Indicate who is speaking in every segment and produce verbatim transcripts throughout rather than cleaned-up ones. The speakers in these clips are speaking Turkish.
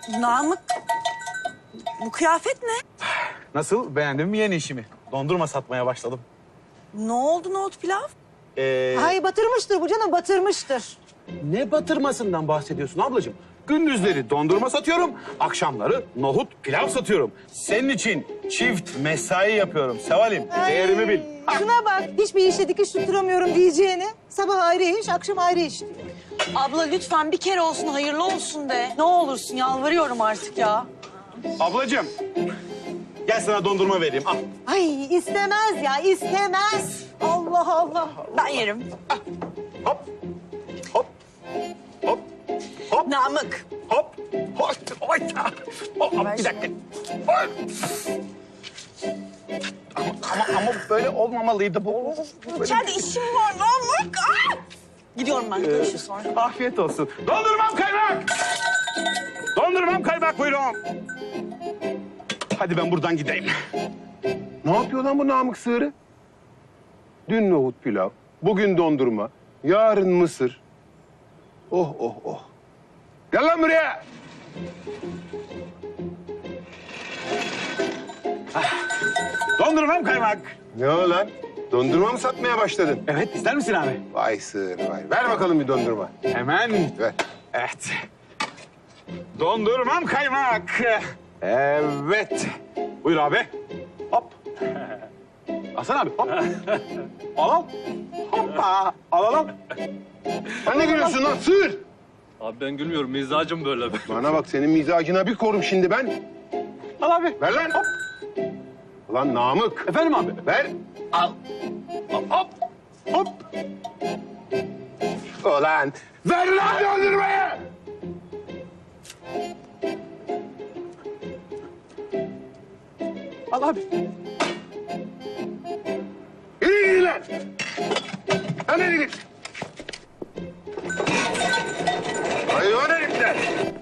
Speaker 1: Namık, bu kıyafet ne?
Speaker 2: Nasıl? Beğendin mi yeni işimi? Dondurma satmaya başladım.
Speaker 1: Ne oldu nohut pilav?
Speaker 2: Ee,
Speaker 3: Ay batırmıştır bu canım, batırmıştır.
Speaker 2: ne batırmasından bahsediyorsun ablacığım? Gündüzleri dondurma satıyorum, akşamları nohut pilav satıyorum. Senin için çift mesai yapıyorum Seval'im. Değerimi bil.
Speaker 3: Şuna bak, hiçbir işe dikiş tutturamıyorum diyeceğini. Sabah ayrı iş, akşam ayrı iş diyor.
Speaker 1: Abla lütfen bir kere olsun hayırlı olsun de. Ne olursun yalvarıyorum artık ya.
Speaker 2: Ablacığım, gel sana dondurma vereyim. Al.
Speaker 3: Ay istemez ya, istemez. Allah Allah.
Speaker 1: Ben yerim.
Speaker 2: Hop, hop, hop, hop,
Speaker 1: Namık.
Speaker 2: hop, hop. Oy. Hop, hop, bir dakika. Oy. Ama, ama, ama böyle olmamalıydı bu. Böyle-
Speaker 1: İçeride işim var Namık. Aa! Gidiyorum ben. Görüşürüz sonra.
Speaker 2: Afiyet olsun. Dondurmam kaymak! Dondurmam kaymak buyurun. Hadi ben buradan gideyim.
Speaker 4: Ne yapıyor lan bu Namık Sığırı? Dün nohut pilav, bugün dondurma, yarın mısır. Oh oh oh. Gel lan buraya.
Speaker 2: Dondurmam kaymak.
Speaker 4: Ne o lan? Dondurma mı satmaya başladın?
Speaker 2: Evet, ister misin abi?
Speaker 4: Vay sığır vay. Ver bakalım bir dondurma.
Speaker 2: Hemen.
Speaker 4: Ver.
Speaker 2: Evet. Dondurmam kaymak. Evet. Buyur abi. Hop. Hasan abi hop. Al al. Hoppa. Al al al.
Speaker 4: Sen ne gülüyorsun lan sığır?
Speaker 5: Abi ben gülmüyorum, mizacım böyle.
Speaker 4: Bana bak senin mizacına bir korum şimdi ben.
Speaker 2: Al abi.
Speaker 4: Ver lan.
Speaker 2: Hop.
Speaker 4: Ulan Namık.
Speaker 2: Efendim abi.
Speaker 4: Ver.
Speaker 2: Al. Hop hop. Hop.
Speaker 4: Ulan. Ver lan dondurmayı.
Speaker 2: Al abi.
Speaker 4: Yürü gidin lan. Hadi gidin. Hayvan herifler.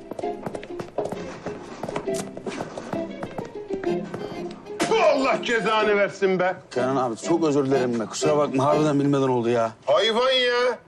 Speaker 4: Allah cezanı versin be.
Speaker 6: Kenan abi çok özür dilerim be. Kusura bakma harbiden bilmeden oldu ya.
Speaker 4: Hayvan ya.